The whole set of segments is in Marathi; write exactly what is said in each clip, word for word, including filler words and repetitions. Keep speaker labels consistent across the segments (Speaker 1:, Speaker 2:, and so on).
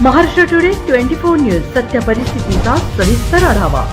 Speaker 1: Maharashtra today twenty four news सत्य परिस्थितीचा सविस्तर आढावा।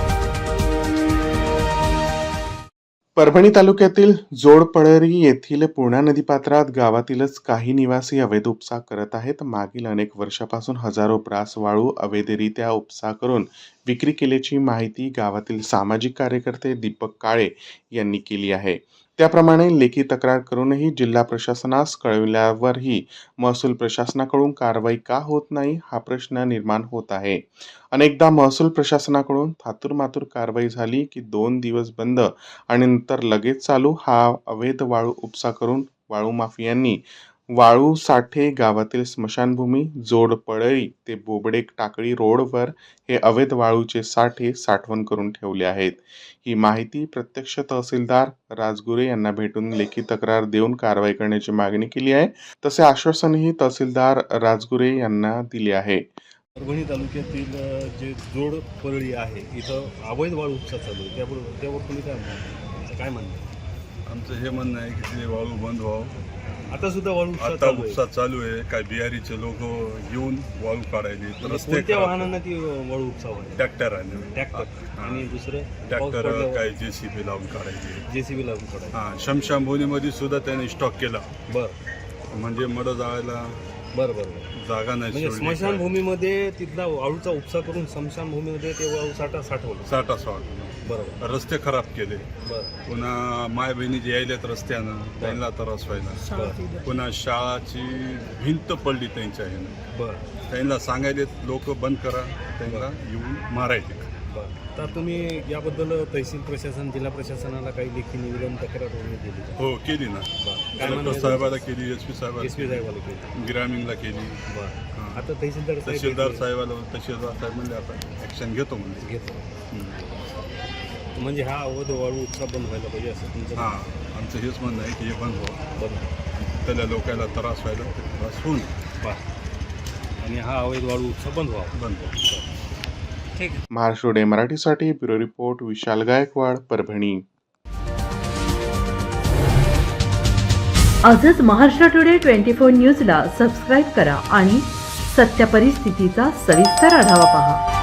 Speaker 2: परभणी तालुक्यातील जोडपळरी येथील पूर्णा नदीपात्रात गावातीलच काही निवासी अवैध उपसा करत आहेत। मागील अनेक वर्षापासून हजारो ब्रास वाळू अवैधरित्या उपसा करून विक्री केल्याची माहिती गावातील सामाजिक कार्यकर्ते दीपक काळे यांनी केली आहे। त्याप्रमाणे लेखी तक्रार करूनही जिल्हा प्रशासनास कळविल्यावरही महसूल प्रशासनाकडून कारवाई का होत नाही हा प्रश्न निर्माण होत आहे। अनेकदा महसूल प्रशासनाकडून थातुरमातुर कारवाई झाली की दोन दिवस बंद आणि नंतर लगेच चालू हा अवैध वाळू उपसा करून वाळू माफियांनी वाळू साठे गावातील स्मशानभूमी जोडपळरी ते बोबडे टाकळी रोडवर हे अवैध वाळूचे साठे साठवण करून ठेवले आहेत। ही माहिती प्रत्यक्ष तहसीलदार राजगुरे यांना भेटून लेखी तक्रार देऊन कारवाई करण्याची मागणी केली आहे। तसे आश्वासनही तहसीलदार राजगुरे यांना दिले आहे।
Speaker 3: परभणी तालुक्यातील जे जोड परळी आहे इथं अवैध वाळू उपसा चालू आहे, त्याबरोबर त्यावर तुम्ही काय म्हणता? काय म्हणणं?
Speaker 4: आमचं हे म्हणणं आहे की ते वाळू बंद व्हावं।
Speaker 3: आता सुद्धा वाळू उपसा
Speaker 4: आता
Speaker 3: चालू आहे.
Speaker 4: उपसा चालू आहे। काय बिहारीचे लोक येऊन वाळू काढायचे तर रस्ते
Speaker 3: कोणत्या
Speaker 4: खराब.
Speaker 3: वाहनांना ती वाळू उपसा व्हायची?
Speaker 4: ट्रॅक्टर आहे
Speaker 3: ट्रॅक्टर आणि दुसरं
Speaker 4: ट्रॅक्टर काय जेसीबी लावून काढायचे।
Speaker 3: जेसीबी लागून काढायचं.
Speaker 4: हा शमशानभूमीमध्ये सुद्धा त्याने स्टॉक केला,
Speaker 3: बरं
Speaker 4: म्हणजे मड जायला
Speaker 3: बरं बरं
Speaker 4: जागा नाही
Speaker 3: म्हणजे
Speaker 4: सोडली.
Speaker 3: स्मशानभूमीमध्ये तिथला वाळूचा उपसा करून स्मशानभूमीमध्ये ते वाळू साठा साठवलं.
Speaker 4: साठा साठ
Speaker 3: बरोबर
Speaker 4: रस्ते खराब केले।
Speaker 3: बरं
Speaker 4: पुन्हा माय बहिणी जे यायलेत रस्त्यानं त्यांना त्रास व्हायला। पुन्हा शाळाची भिंत पडली त्यांच्या ह्यानं,
Speaker 3: बरं
Speaker 4: त्यांना सांगायले लोक बंद करा, त्यांना येऊन मारायचे।
Speaker 3: बरं तर तुम्ही याबद्दल तहसील प्रशासन जिल्हा प्रशासनाला काही लेखी निवेदन तक्रार वगैरे दिली का?
Speaker 4: हो केली ना,
Speaker 3: काय
Speaker 4: कलेक्टर
Speaker 3: म्हणणं
Speaker 4: साहेबाला केली, एस पी
Speaker 3: एस
Speaker 4: साहेबाला
Speaker 3: पी साहेबाला केली.
Speaker 4: ग्रामीणला केली।
Speaker 3: बरं आता तहसीलदार साहेब
Speaker 4: तहसीलदार साहेबाला तहसीलदार साहेब म्हणजे आता ॲक्शन घेतो म्हणजे
Speaker 3: घेतो. म्हणजे हा अवैध वाळू उपसा बंद व्हायला पाहिजे असं तुमचं
Speaker 4: हां आमचं हेच म्हणणं आहे की हे बंद व्हावं,
Speaker 3: बंद
Speaker 4: त्याला लोकांना त्रास व्हायला ते त्रास होऊन
Speaker 3: बरं आणि हा अवैध वाळू उपसा बंद व्हावा.
Speaker 4: बंद व्हावं।
Speaker 3: ठीक आहे.
Speaker 2: महाराष्ट्र डे मराठीसाठी ब्युरो रिपोर्ट विशाल गायकवाड, परभणी।
Speaker 1: आजच महाराष्ट्र टुडे ट्वेंटी फोर न्यूजला सबस्क्राईब करा आणि सत्य परिस्थितीचा सविस्तर आढावा पहा।